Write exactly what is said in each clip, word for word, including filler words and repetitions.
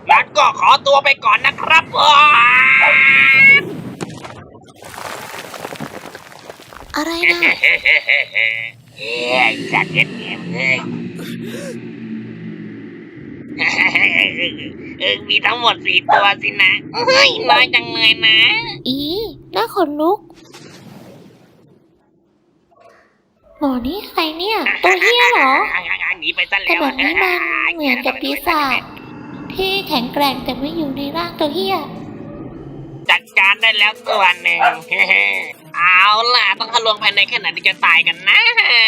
งั้นก็ขอตัวไปก่อนนะครับอะไรนะเฮ้ยสัตว์เอ็ดเอ็มเลยเออมีทั้งหมดสี่ตัวสินะเฮ้ยน้อยจังเลยนะอีน่าขนลุกหมอนี่ใครเนี่ยตัวเฮี้ยเหรอหนีไปซะแล้วแต่แบบนี้มันเหมือนกับปีศาจที่แข็งแกร่งแต่ไม่อยู่ในร่างตัวเฮี้ยจัดการได้แล้วตัวหนึ่งเอาล่ะต้องทะลวงภายในแค่ไหนที่จะตายกันนะ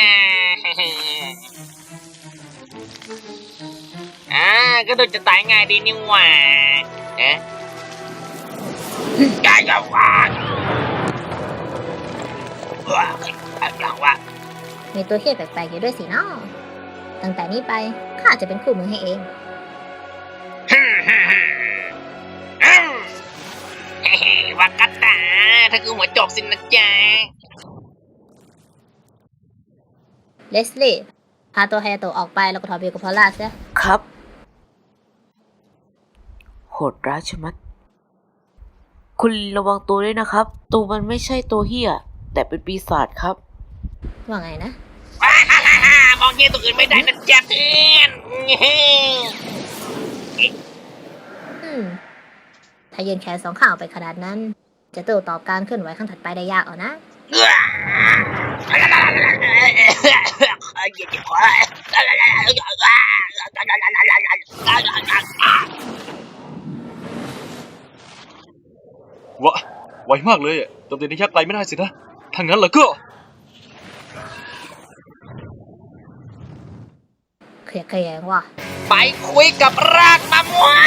อ่าก็ดูจะตายง่ายดีนี่หว่าเอ๊ะกายจะวางว้าวอย่างว่ามีตัวเฮี้ยแปลกๆอยู่ด้วยสิเนาะตั้งแต่นี้ไปข้าจะเป็นคู่มือให้เองวากัตตาถ้าคือหัวโจกสินะจ๊ะเลสลี่พาตัวไฮยาโตะออกไปแล้วก็ถอดเบลกับพอลล่าซะครับโหดร้ายชะมัดคุณระวังตัวด้วยนะครับตัวมันไม่ใช่ตัวเหี้ยแต่เป็นปีศาจครับว่าไงนะมองเงี้ยตัวอื่นไม่ได้นะจ๊ะเพื่อนอืมถ้ายืนแขนสองข้างออกไปขนาดนั้นจะโต้ตอบการเคลื่อนไหวครั้งถัดไปได้ยากเอานะวะไวมากเลยอ่ะโจมตีระยะไกลไม่ได้สินะถ้างั้นแล้วก็เคลียร์เคลียร์ว่ะไปคุยกับรากมะม่วง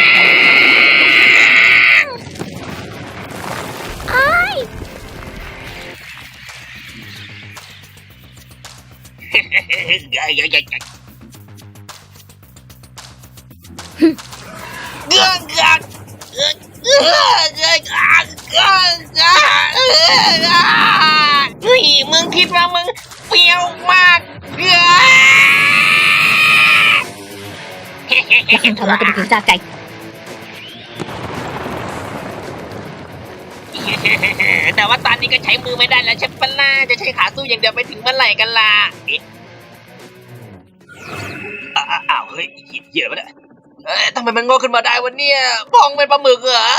ไอ้เย้ยเย้ยเย้ยเย้ยเงื่อนเงื่อนเงื่อนเงื่อนเงื่อนเงื่อนเฮ้ยมึงคิดว่ามึงเฟี้ยวมากเงื่อนแล้วคุณทำมาเป็นผีจ่าไก่แต่ว่าตอนนี้ก็ใช้มือไม่ได้แล้วใช่ปะล่ะจะใช้ขาสู้อย่างเดียวไปถึงเมื่อไหร่กันล่ะอ้าวเฮ้ยเหี้ยไปแล้วเอ้ยทำไมมันงอกขึ้นมาได้วะเนี่ยพองเป็นปลาหมึกเหรอ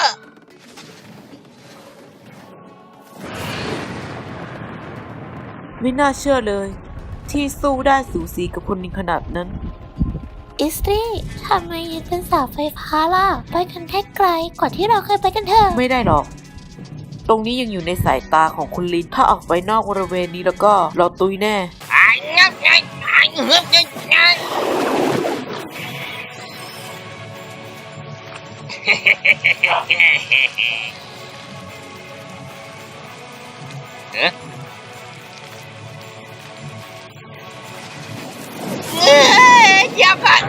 ไม่น่าเชื่อเลยที่สู้ได้สูสีกับคนนี้ขนาดนั้นอิสตรีทำไมยังเป็นสาวไฟฟ้าล่ะไปกันแค่ไกลกว่าที่เราเคยไปกันเถอะไม่ได้หรอกตรงนี้ยังอยู่ในสายตาของคุณลินถ้าออกไปนอกบริเวณนี้แล้วก็เราตุยแน่ไอ้งับไงไอ้เหือบไงไงเอ๊ะอย่าพัด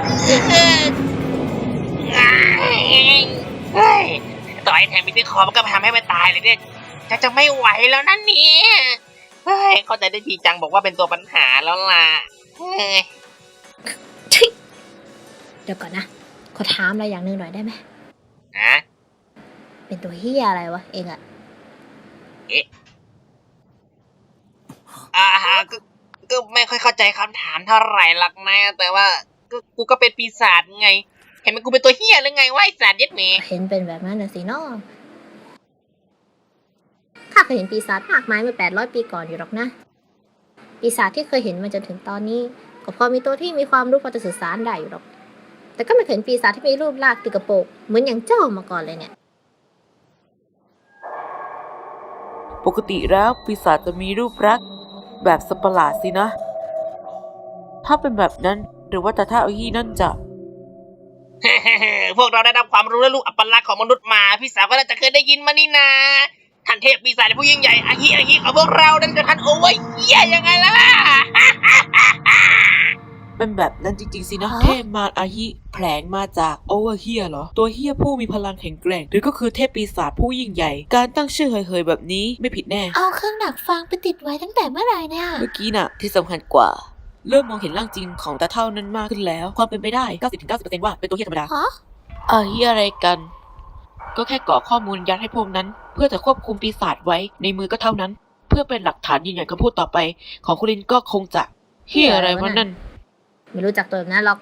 เฮ้ยต่อให้แทงมีที่คอมันก็ทำให้มันตายเลยเนี่ยจะจะไม่ไหวแล้วนั่นเนี่ยเฮ้ยเข้าใจได้ทีจังบอกว่าเป็นตัวปัญหาแล้วล่ะเฮ้ยเดี๋ยวก่อนนะขอถามอะไรอย่างหนึ่งหน่อยได้ไหมฮะเป็นตัวเฮียอะไรวะเองอะเอ๊ะอ่าก็ก็ไม่ค่อยเข้าใจคำถามเท่าไหร่หรอกนะแต่ว่าก็กูก็เป็นปีศาจไงเห็นไหมกูเป็นตัวเฮียหรือไงวะไอ้สัตว์ยัดเมย์เห็นเป็นแบบนั้นน่ะสิน้องข้าเคยเห็นปีศาจมากมายเมื่อแปดร้อยปีก่อนอยู่หรอกนะปีศาจที่เคยเห็นมาจนถึงตอนนี้ก็พอมีตัวที่มีความรู้พอจะสื่อสารได้อยู่หรอกแต่ก็ไม่เคยเห็นปีศาจที่มีรูปร่างติดกระโปรงเหมือนอย่างเจ้ามาก่อนเลยเนี่ยปกติแล้วปีศาจจะมีรูปลักษณ์แบบสัตว์ประหลาดสินะถ้าเป็นแบบนั้นหรือว่าแต่ถ้าเอาฮี่นั่นจะพวกเราได้รับความรู้และรู้อัปลักษณ์ของมนุษย์มาพี่สาวก็น่าจะเคยได้ยินมานี่นาท่านเทพปีศาจผู้ยิ่งใหญ่อาฮิอาฮิของพวกเราดันจะท่านโอเวอร์เหี้ยยังไงล่ะเป็นแบบนั้นจริงๆสินะเทพมารอาฮิแผลงมาจากโอเวอร์เฮียเหรอตัวเฮียผู้มีพลังแข็งแกร่งหรือก็คือเทพปีศาจผู้ยิ่งใหญ่การตั้งชื่อเฮยๆแบบนี้ไม่ผิดแน่เอาเครื่องดักฟังไปติดไว้ตั้งแต่เมื่อไหร่เนี่ยเมื่อกี้น่ะที่สำคัญกว่าเริ่มมองเห็นร่างจริงของตาเท่านั้นมากขึ้นแล้วความเป็นไปได้ เก้าสิบถึงเก้าสิบเปอร์เซ็นต์ ว่าเป็นตัวเฮียธรรมดาฮะอาฮีอะไรกัน ก็แค่ก่อข้อมูลยัดให้พวกนั้น เพื่อจะควบคุมปีศาจไว้ในมือก็เท่านั้น เพื่อเป็นหลักฐานยืนยันคำพูดต่อไป ของคุณลินก็คงจะเฮียอะไรวะนั่นไม่รู้จักตัวแบบนั้นหรอก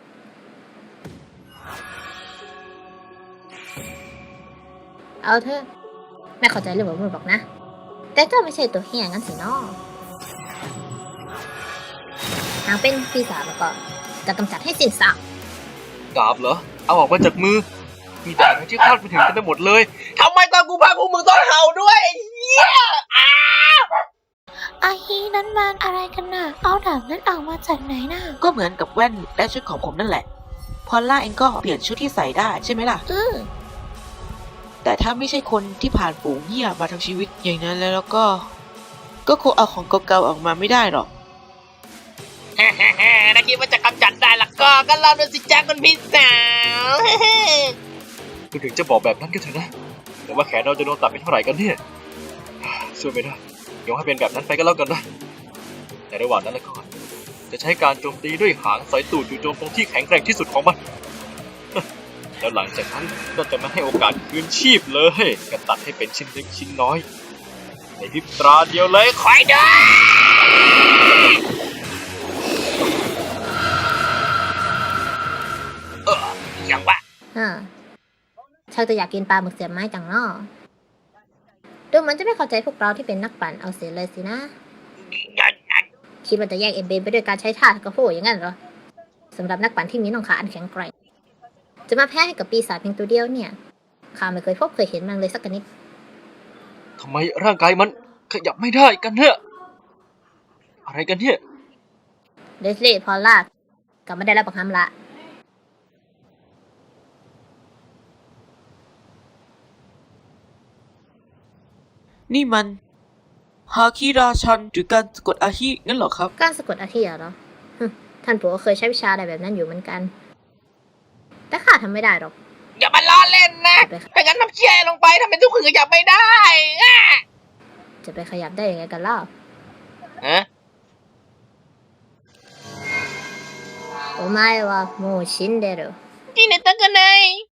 เอาเถอะแม่เข้าใจเรื่องแบบมือบอกนะ แต่เจ้าไม่ใช่ตัวเฮียงั้นสิน้อหากเป็นปีศาจแล้วก็จะกำจัดให้สิ้นซากดาบเหรอ เอาออกมาจากมือ มีแต่อะไรที่คาดไม่ถึงกันไปหมดเลยทำไมตอนกูพากูมึงต้องเห่าด้วยเหี้ยอ้าอาฮีนั้นมันอะไรกันน่ะ เอาดาบนั้นออกมาจากไหนน่ะก็เหมือนกับแว่นและชุดของผมนั่นแหละ พอลล่าเองก็เปลี่ยนชุดที่ใส่ได้ใช่ไหมล่ะอือแต่ถ้าไม่ใช่คนที่ผ่านฝูงเหี้ยมาทั้งชีวิตอย่างนั้นแล้วแล้วก็ ก็คงเอาของเก่าๆออกมาไม่ได้หรอกฮ่าฮ่าฮ่าถ้าคิดว่าจะกำจัดได้ละก็ก็ลองดูสิจ้าคุณพี่สาวคุณถึงจะบอกแบบนั้นก็เถอะนะ แต่ว่าแขนเราจะโดนตัดไปเท่าไหร่กันเนี่ยช่วยไม่ได้ยอมให้เป็นแบบนั้นไปก็แล้วกันนะในระหว่างนั้นแล้วก็จะใช้การโจมตีด้วยหางสายตูดจู่โจมตรงที่แข็งแกร่งที่สุดของมัน แล้วหลังจากนั้นก็จะไม่ให้โอกาสคืนชีพเลยก็ตัดให้เป็นชิ้นเล็กชิ้นน้อย ในพริบตาเดียวเลยคอยดูเอออย่างวะฮะชักจะอยากกินปลาหมึกเสียบไม้จังเนาะดูเหมันจะไม่เข้าใจพวกเราที่เป็นนักปั่นเอาเสียเลยสินะ คิดว่าจะแยกเอ็มเบนไปด้วยการใช้ท่ากับโฟอย่างนั้นเหรอสำหรับนักปั่นที่มีน่องขาอันแข็งแกร่งจะมาแพ้ให้กับปีศาจเพียงตัวเดียวเนี่ยข้าไม่เคยพบเคยเห็นมันเลยสักนิดทำไมร่างกายมันขยับไม่ได้กันเนี่ยอะไรกันเนี่ยเดสลี่พอลล่ากลับมาได้แล้วปังคำละนี่มันฮาคิราชันหรือการสะกดอาฮิงั้นเหรอครับการสะกดอาทิตย์เหรอฮึท่านปู่ก็เคยใช้วิชาอะไรแบบนั้นอยู่เหมือนกัน แต่ข้าทำไม่ได้หรอกอย่ามาล้อเล่นนะถ้างั้นทำเชี่ยลงไปทำเป็นทุกคนขยับไม่ได้อ่ะจะไปขยับได้ยังไงกันเล่าฮะโอไมวะโมชินเดโรที่ไหนตั้งกันเลย